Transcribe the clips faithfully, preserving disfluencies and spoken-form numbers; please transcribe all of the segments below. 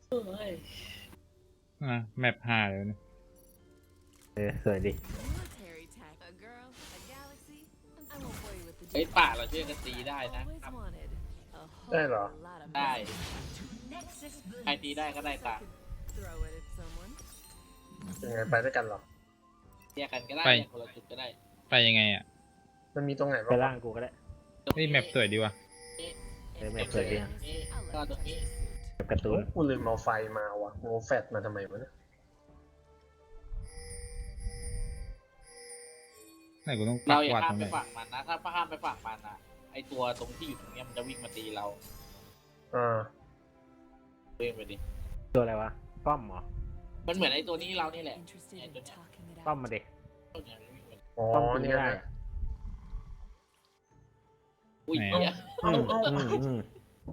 เฮ้ยอ่ะแมปห้าเลยนะเออสวยดิไอ้ป่าเราช่วยกันตีได้นะได้เหรอได้ใครตีได้ก็ได้ตายังไงไปด้วยกันเหรอแยกกันก็ได้คนละจุดก็ได้ไปยังไงอ่ะมันมีตรงไหนไปบ้างล่างกูก็ได้นี่แมปสวยดีว่ะเออแมปสวยดีนะนี่ก็ตรงนี้แบบการ์ตูนกูลืมเอาไฟมาว่ะกูเอาแฟตมาทำไมวะเนี่ยไหนกูต้องปัเรากอย่าวัดข้าตมรงไปไหนฝั่งมันนะถ้าข้ามไปฝั่งมันนะไอตัวตรงที่อยู่ตรงนี้มันจะวิ่งมาตีเราอ่าวิ่งไปดิตัวอะไรวะป้อมเหรอมันเหมือนไอตัวนี้เรานี่แหละไอตัวเนี้ยป้อมมาเด็กตัวเนี้ยวิ่งไปอ๋อป้อมกูนี่ไม่ไงได้อะอุ้ยเนี่ยอืมอืมอืม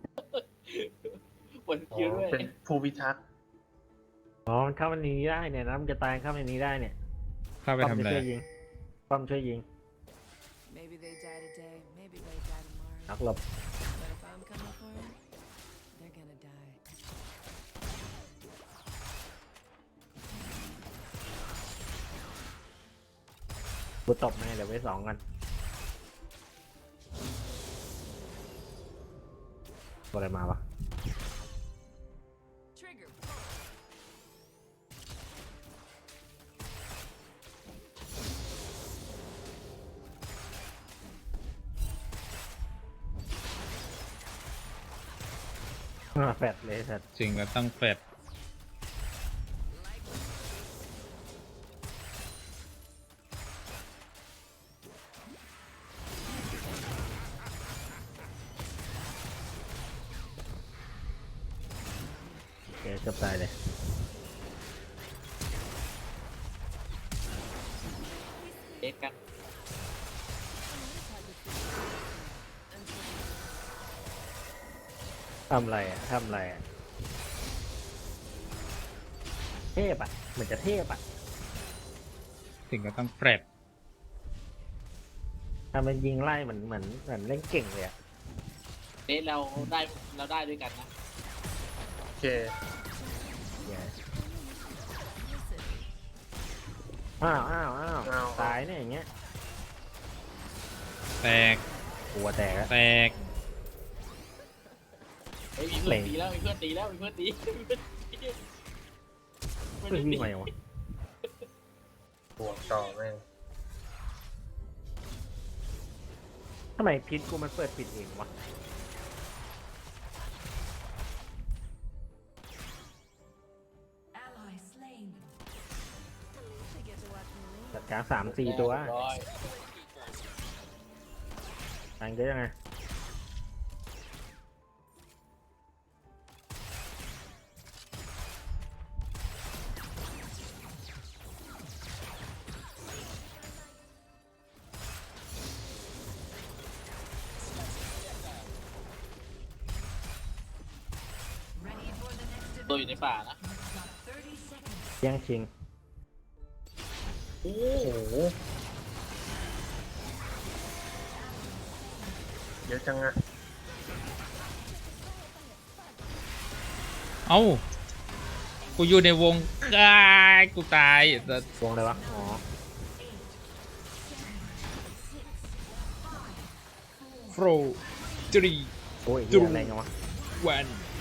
ปวดคิ้วด้วยเป็นผู้พิทักษ์อ๋อมันเข้ามันนี้ได้เนี่ยนะมันจะตายเข้ามันนี้ได้เนี่ยเข้าไปป้อมทำจะอะไรช่วยยิงป้อมช่วยยิง Maybe they die today, maybe they die tomorrow. นักหลบ But if I'm coming for them, they're gonna die. กูตบแม่เดี๋ยวไว้สองกันตัวอะไรมาวะ Trigger. อ่าแฟดเลยสัตว์จริงก็ต้องแฟดโอเคจบตายเลยเอ็กกันทำอะไรอ่ะทำอะไรอ่ะเทพอ่ะเหมือนจะเทพอ่ะถึงก็ต้องแฟดทำมันยิงไล่เหมือนเหมือนเหมือนเล่นเก่งเลยอ่ะเอ๊ะเราได้เราได้ด้วยกันนะโอเคอ้าวอ้าวอ้าวตายเนี่ยอย่างเงี้ยแตกกลัวแตกแล้วแตกเฮ้ยมีเพื่อนตีแล้วมีเพื่อนตีแล้วมีเพื่อนตีมีเพื่อนตีเฮ้ยวิ่งมาอย่างวะบวกต่อแม่งทำไมพิษกูมันเปิดปิดเองวะ Ally slain. จัดการสามสี่ตัวร้อยตังเยอะยังไงตัวอยู่ในป่านะแย่งชิงโอ้โหเยอะจังอะเอ้ากูอยู่ในวงกายกูตายแต่วงอะไรวะ อ๋อโฟรจรีโอ้ยเหี้ยอะไรกันวะวัน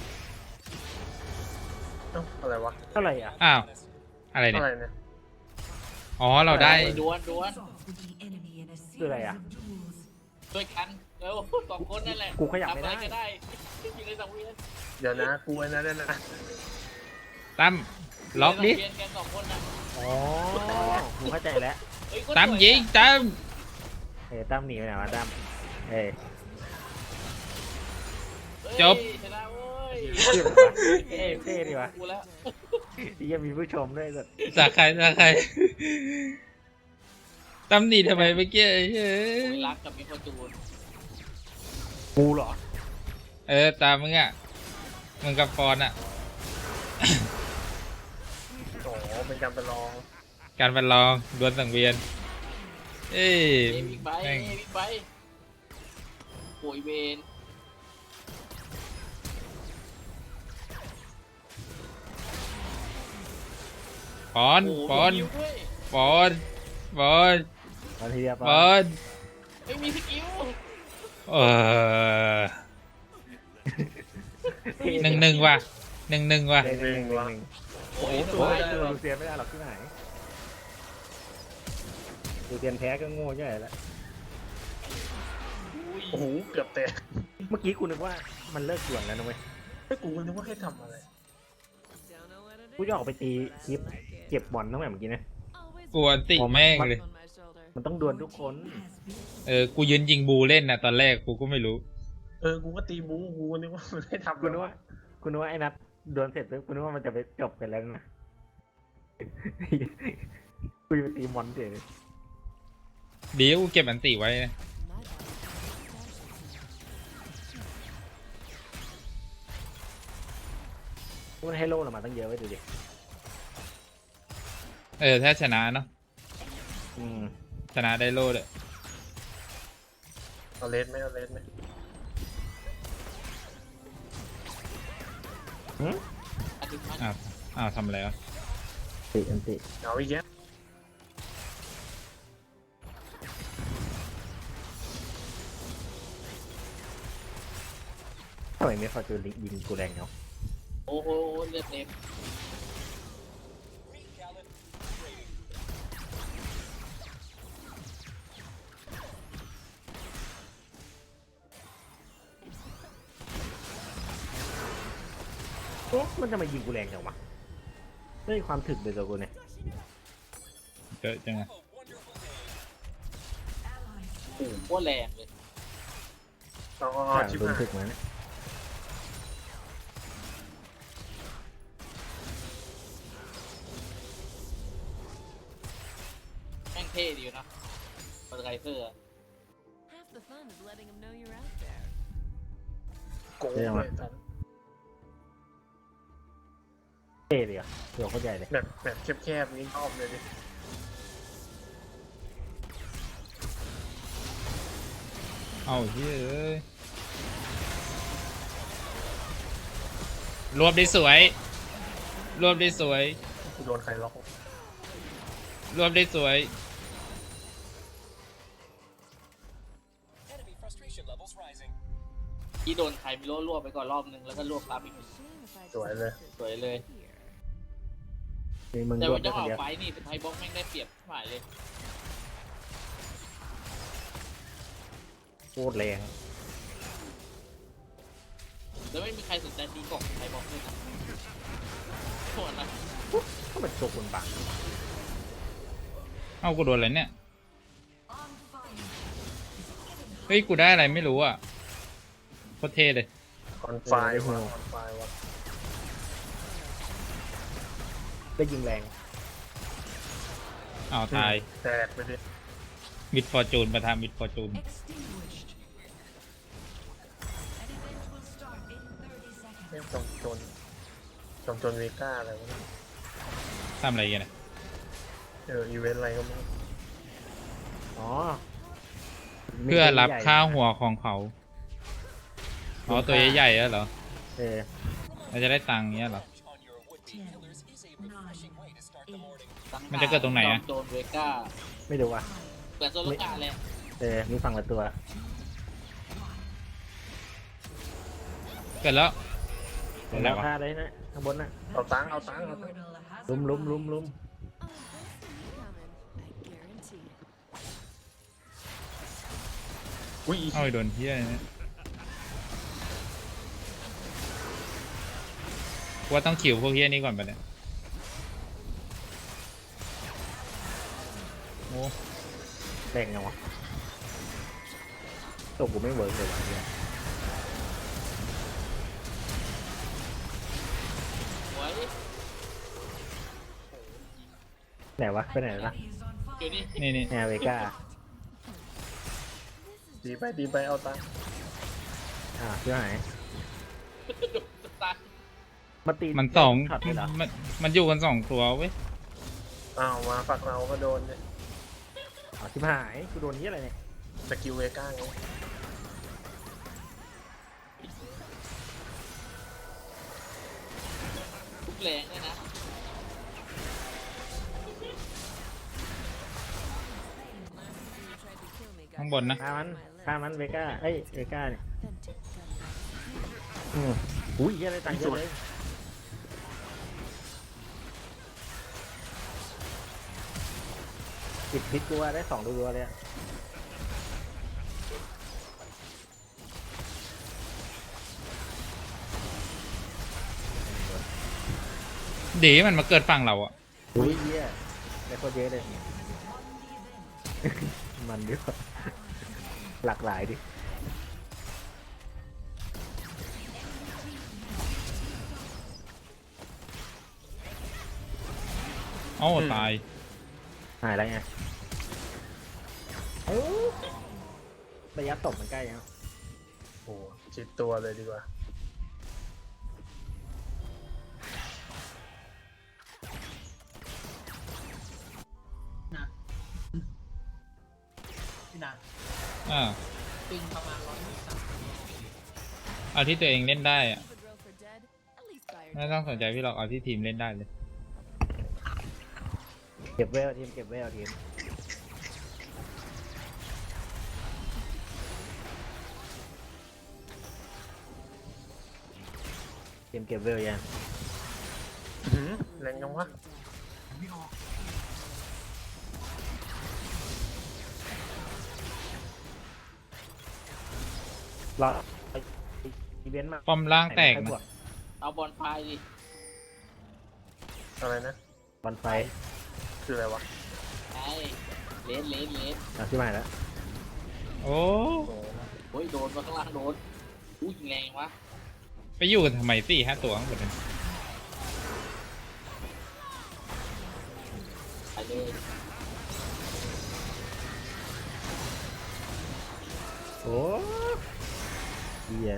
เอ้าอะไรวะเท่าไหร่อ่ะอ้าวอะไรเนี่ยอะไรเนี่ยอ๋อเราได้ดวนดวนคืออะไรอ่ะด้วยกันเร็วสองคนนั่นแหละกูขยับไม่ได้ทำอะรก็ได้อยู่ในสังเวียนเดี๋ยวนะกูไอ้นั่นนะตั้มล็อกดิยู่ในสังเวียนกันสองคนนะอ๋อกูเข้าใจแล้วเฮ้ยคนตั้มสวยิงตั้มเฮ้ยตั้มหนีไปไหนวะตั้มเฮ้ยเฮ้ยจบชนะเว้ยเท่ดีวะเท่เท่ดีวะกูแล้วที่ยังมีผู้ชมด้วยสัตว์สาใครสาใครตั้มหนีทำไมเมื่อกี้เฮ้โอ้ยยรักกับมิโคจูนกูเหรอเออตามมึงอ่ะมึงกับฟอนอ่ะโอ้โหเป็นการประลองการประลองดวลสังเวียน เอ้ยเอ้ยบิ๊กไบค์แม่เอ้งยบิ๊กไบค์โอยเวนปอนโอ้โหปอนมีสกิลด้วยปอนปอนมาทีเดียวปปออนนไม่มีสกิลเออหนึ่งหนึ่งว่ะหนึ่งหนึ่งว่ะหนึ่งหนึ่งหนึ่งหนึ่งโอ้ยโอ้สโหบายตัวเลยลูเซียนไม่ได้หรอกที่ไหนลูเซียนแพ้ก็โง่ใหญ่แล้วโอ้โหเกือบแตกเมื่อกี้กูนึกว่ามันเลิกด่วนแล้วนะเว้ยไอ้กูนึกว่าให้ทำอะไร Don't know what it กูจะออกไปตีคลิป like it. เก็บบอลตั้งแต่เมื่อกี้นะ Always กลัวติแม่งเลย on my shoulder. มันต้องดวลทุกคนเออกูยืนยิงบูเล่นนะตอนแรกกูก็ไม่รู้เออกูก็ตีบูกูนึกว่ามันให้ทำกูนึกว่ากูนึกว่าไอ้นัทดวลเสร็จปุ๊บกูนึกว่ามันจะไปจบกันแล้วนะ กูจะไปตีมอนเฉยเดี๋ยวกูเก็บอันติไว้นะ My body. มันให้โล่เรามาตั้งเยอะไว้ดูดิเออถ้าชนะเนาะอืมชนะได้โล่เลยเอาเลสไหมเอาเลสไหมหืมอาทิตย์มันอ้าวอ้าวทำอะไรวะติอันติเอาอีกแล้วทำไมไม่ฟอร์จูนยิงกูแรงเนาะโอ้โหเลือดเต็มโอ้มันจะมายิงกูแรงจังวะไม่มีความถึกเลยตัวกูเนี่ยเยอะจังอะโอ้โหโคตรแรงเลยเอาเอาใช่เอาชิบโดนหายถึกมาเนี่ยแม่งเท่ดีอยู่นะมอเตอร์ไซเซอร์อะ Half the fun is letting them know you're out there. โกงเลยตอนเท่เลยอ่ะตัวเขาใหญ่เลยแบบแบบแคบๆนี้ชอบเลยดิเอาเฮ้ยเอ้ยรวบได้สวย รวบได้สวยกูโดนใครล็อกรวบได้สวยที่โดนใครไม่รู้รวบไปก่อนรอบนึงแล้วก็รวบซ้ำอีก Shame if I สวยเลย just สวยเลย here. มีมึงแต่รววับนได้จะคอน อกเดียวไฟนี่เป็นไทยบ็อกแม่งได้เปรียบหมายเลยโคตรแรงแล้วไม่มีใครสนใจตีกล่องไทยบ็อกเลยนะโคตรนะก็เป็นตัวคนบังเอากูโดนอะไรเนี่ย เฮ้ยกูได้อะไรไม่รู้อ่ะโคตรเท่เลยคอนไฟล์ว่ะคอนไฟล์ว่ะได้ยิงแรงอ้าวตายแตกไปดิมิดฟอร์จูนประทามิดฟอร์จูนไม่จอมโจนจอมโจนเวก้าอะไรวะเนี่ยทำอะไรกันนะเอออีเวนต์อะไรก็ไม่รู้อ๋อเพื่อรับค่าหัวของเขาอ๋อตัวใหญ่ๆอะเหรอเออเราจะได้ตังค์เงี้ยเหรอตั้งมันจะเกิดตรงไหนอะโจนเวก้าไม่รู้อ่ะเปิดโซโลกาเลยเออมีฝั่งละตัวเกิดแล้วตเห็รนงไหนแล้ววะค่าได้นะข้างบนน่ะเอาตังค์เอาตังค์เอาตังค์ลุมลุมลุมลุม Oh, there's something coming. I guarantee it. อุ้ยเอาไปโดนเฮียเนี่ยกูว่าต้องขิวพวกเฮียนี้ก่อนปะเนี่ยโอ้แรงยังวะตัวกูไม่เวิร์กเลยวะเนี่ยสวยไหนวะไปไหนละอยู่นี่นี่นี่แอร์เวก้าดีไปดีไปเอาตังค์อ่าเชื่อไหนโดนสตาร์ทมาตีมันสองช็อตเลยเหรอมันมันอยู่กันสองตัวเว้ยอ้าวมาฝักเราก็โดนเนี่ยอ๋อชิบหายกูโดนนี้อะไรเนี่ยสกิลเวก้าไงทุกแรงเลยนะข้างบนนะฆ่ามันฆ่ามันเวก้าเอ้ยเวก้าเนี่ย Authentic gun. อืมอุ้ยเหี้ยอะไรต่างเยอะเลยปิดพิษตัวได้สองตัวเลยอะดีมันมาเกิดฝั่งเราอะอุ้ยเหี้ยได้โคตรเยอะเลย มันดีกว่าหลากหลายดิเอ้าตายหายแล้วไงโอ้ระยะตบมันใกล้ยังโอ้จิตตัวเลยดีกว่าอ่าเอาที่ตัวเองเล่นได้อะ Keep a drill for dead. At least buy your ไม่ต้องสนใจพี่หรอกเอาที่ทีมเล่นได้เลยเก็บเวลทีมเก็บเวลทีมทีมเก็บเวลยังอื้อหือแรงยังวะรออีเวนต์มาป้อมล่างแตกใครบนะวกเอาบอลไฟดิอะไรนะบอลไฟคืออะไรวะไอ้เลนเลนเลนเอาที่ใหม่แล้วโอ้โอ้โอ้ยโดนมาข้างล่างโดนอู้ยิงแรงวะไปอยู่กันทำไมสี่ห้าตัวข้างบนนั้นไปเลยโอ้เหี้ย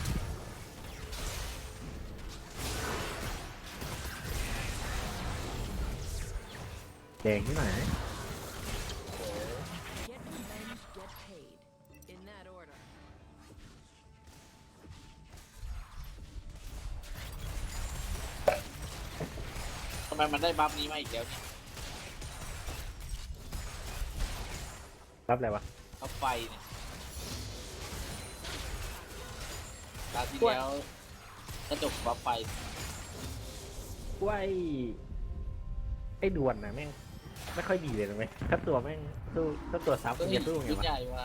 แดงที่ไหน get revenge, get paid. In that order. ทำไมมันได้บัฟนี้มาอีกแล้วเนี่ยรับอะไรวะบัฟไฟเนี่ยตาที่แล้วกระจกบัฟไฟว่าไอ้ไอ้ดวนนะแม่งไม่ค่อยดีเลยนะไหมถ้าตัวแม่งสู้ถ้าตัวซับก็มันเห็จะนสู้ไงชุดวะใหญ่ว่ะ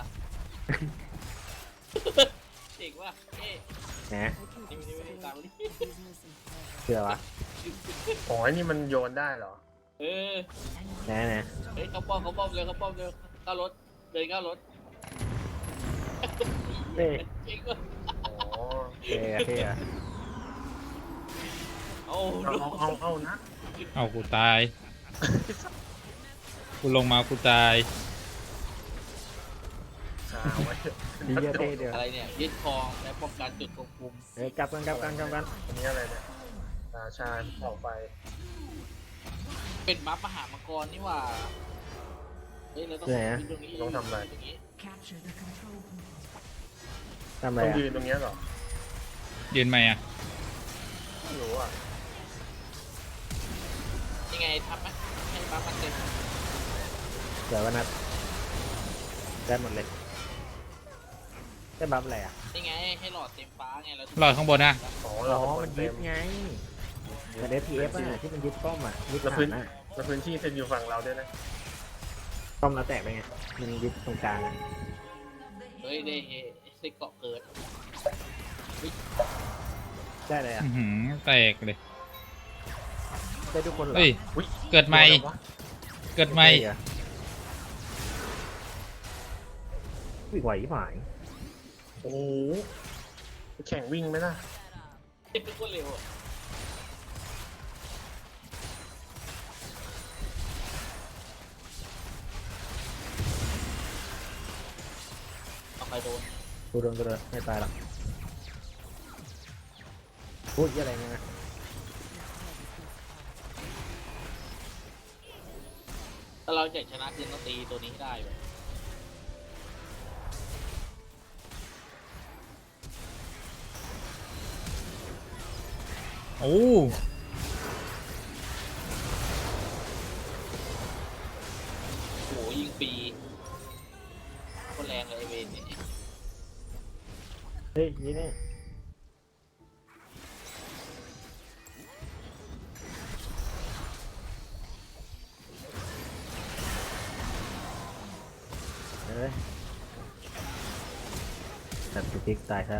เจ๋งว่ะเอ๊ะนะ I can นี่ just ไม่ได้ split ตามมาดิ business and pleasure. เชื่อวะโอ้ยนี่มันโยนได้เหรอเออนะนะเฮ้ยเขาป้อมเขาป้อมเร็วเขาป้อมเร็วเข้ารถเดินเข้ารถเอ้ยเจ๋งว่ะอ๋อเท่อะเท่อะโอ้เอาโหเอาเอาเอานะเอากูตาย กูลงมากูตายชาไว้ดีเยอะเท่เดียวอะไรเนี่ยยึดครองและป้องกันจุดควบคุมเอ้ยกลับกันกลับกันกลับกันอันนี้อะไรเนี่ยราชาออกไปเป็นบัฟมหามังกรนี่หว่าเฮ้ยเราต้องยืนตรงนี้ต้องทำอะไรตรงนี้ทำอะไรต้องอ่ะยืนตรงเนี้ยเหรอยืนไหมอะไม่รู้อ่ะยังไงทำไหมให้บัฟมันเต็มเดี๋ยววันนัดได้หมดเลยได้บัฟอะไรอ่ะยังไงให้หลอดเต็มฟ้าไงเรารอดข้างบนนะอ๋ออ๋เราอก็มันเต็ยึดมไงแต่เดฟพีเอฟอ่ะที่มันยึดป้อมอ่ะยึดแล้วฐาพื้นนอ่ะแล้วพื้นที่เซนอยู่ฝั่งเราด้วยนะป้อมเราแตกไปไงมันยึดตรงกลางอะเฮ้ยได้เฮ้ได้เกาะเกิดได้เลยอ่ะอื้อหือแตกเลยได้ทุกคนเหรอเฮ้ยอุ๊ยเกิดใหม่ตัวอะไรวะเกิดใหม่เหรอวิ่งไหวที่หายโอ้โหแข่งวิ่งไหมล่ะเป็นทุกคนเร็วอะเอาไปโดนกูโดนกูโดนไม่ตายหรอกพูดอะไรเนี่ยนะถ้าเราอยากชนะคือต้องตีตัวนี้ให้ได้เลยโอ้โอ้โหยิงปีคนแรเฮ้ยนี่นี่เอ้ยแต่สติ๊กตายซะ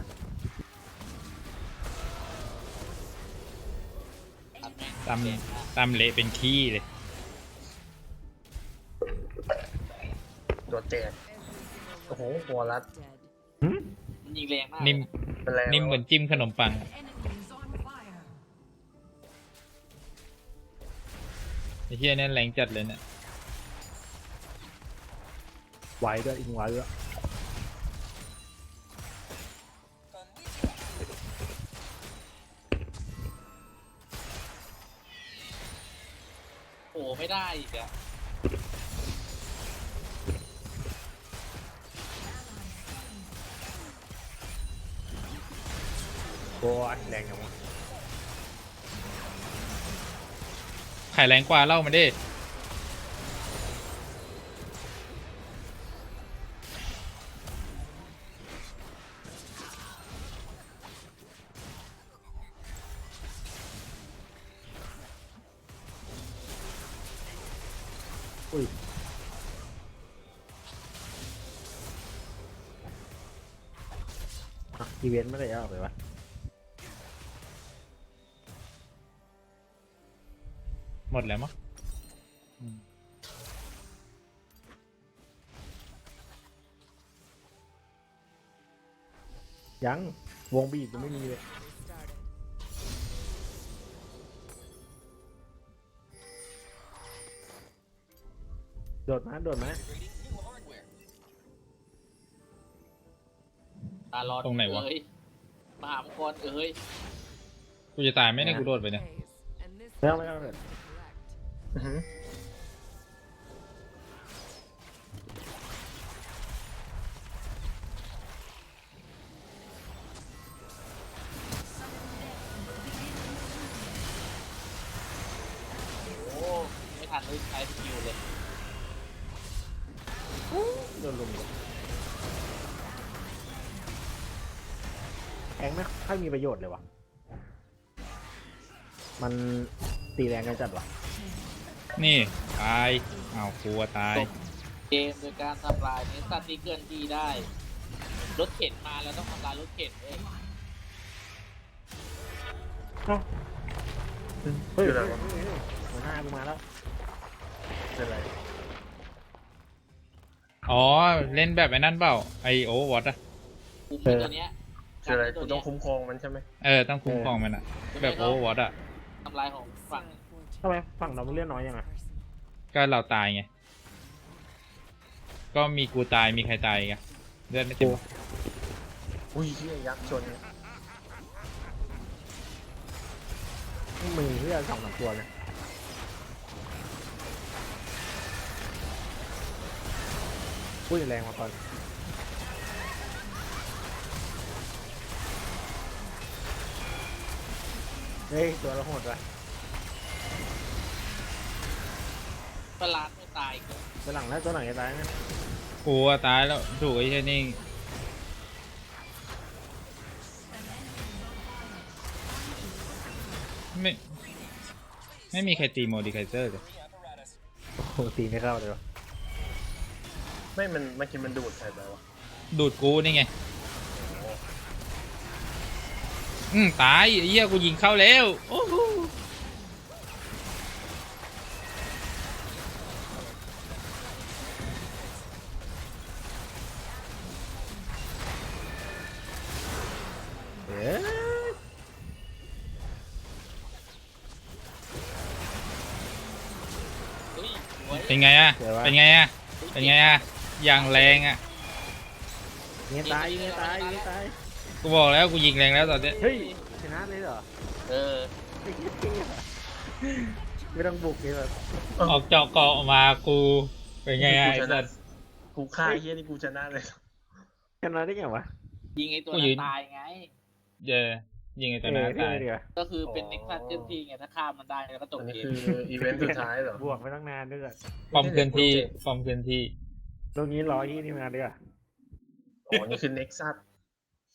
ตัดแม่งตำเด็กนะตำเละเป็นขี้เลยตัวแจก Every single โอ้โห one หัวรัด dead. มันยิงแรงมากนิ่มเป็นแรงนิ่มเหมือนจิ้มขนมปัง Enemies on fire. ไอ้เหี้ยนั่นแรงจัดเลยเนี่ยไวด้วยอิงไวด้วยโอ้ไม่ได้อีกอะโอ้ยแรงจังวะไข่แรงกว่าเล่ามาดิอุ้ยอ่ะอีเวนต์ไม่ได้เอาไปวะหมดแล้วมั้งอืมยังวงบีบยังไม่มีเลย They started. โดดมาโดดมาตาลอดตรงไหนวะเอ้ยมหามงกรเอ้ยกูจะตายไหมเนี่ยกูโดดไปเนี่ย Phase. And this ไม่เอาไม่เอา is เลย correct. อื้อหือโอ้ไม่ทันเลยใช้สกิลเลยโดนลุมเลยแองไม่ค่อยมีประโยชน์เลยวะมันตีแรงกันจัดวะนี่ตายอ้าวกลัวตายเกมโดยการทำลายเนสตันที่เกินที่ได้ รถเข็นมาแล้วต้องทำลายรถเข็นเว้ยเอ้าเฮ้ยคืออะไรเฮ้ยวะเฮ้ยเฮ้ยหัวหน้ากูมาแล้วเป็นไรอ๋อ เล่นแบบไอ้นั่นเปล่า ไอโอวอตอะคุมไอ้ตัวเนี้ยคืออะไรตักูวต้อเนี้งยคุ้มครองมันใช่ไหมเออ ต้องคุ้มครองมันอะแบบโอวอตอะทำลายของฝั่งทำไมฝั่งเรามันเลื่อนน้อยยังไงก็เราตายไง ก็มีกูตายมีใครตายไงเลือดไม่เต็มอุ้ยเฮียยักษ์ชนมือเพื่อสองสามตัวเนี่ยพูดแรงมาก่อนเฮ้ยตัวเราโหดว่ะปลาดไม่ตายเกินไปหลังแล้วตัวหลังจะตายนะกูอะตายแล้วถูกไอ้เช่นนี่ไม่ ไม่มีใครตีโมดิไคเซอร์เลยโอ้โหตีไม่เข้าเลยวะไม่มันเมื่อกี้มันดูดใครไปวะดูดกูนี่ไง อืมตายไอ้เหี้ยกูยิงเข้าแล้วโอ้โหเอ๊ะเฮ้ยสวยเป็นไงอะเป็นไงอะเป็นไงอะอย่างแรงอะยิงตายยิงตายยิงตายกูบอกแล้วกูยิงแรงแล้วตอนเนี้ยเฮ้ยชนะเลยเหรอเออไอ้เหี้ยจริงเหรอไม่ต้องบุกเลยแบบออกเจาะเกาะมากูเป็นไงอะไอ้สัสกูฆ่าไอ้เฮียนี่กูชนะเลยชนะได้ไงวะยิงไอ้ตัวกูนั้ยืนนตายไงเย่ยิงไอ้ตัวนั้นเออตายเดียวก็คือเป็นเน็กซัสเจ้าที่ไงถ้าฆ่ามันได้แล้วก็จบอันนี้เกคืมออีเวนต์สุดท้ายเหรอบวกไปตั้งนานด้วยกันฟอร์มเคลื่อนที่ฟอร์มเคลื่อนที่ตรงนี้ร้อยที่นี่มาด้วยกันอ๋อนี่คือเน็กซัส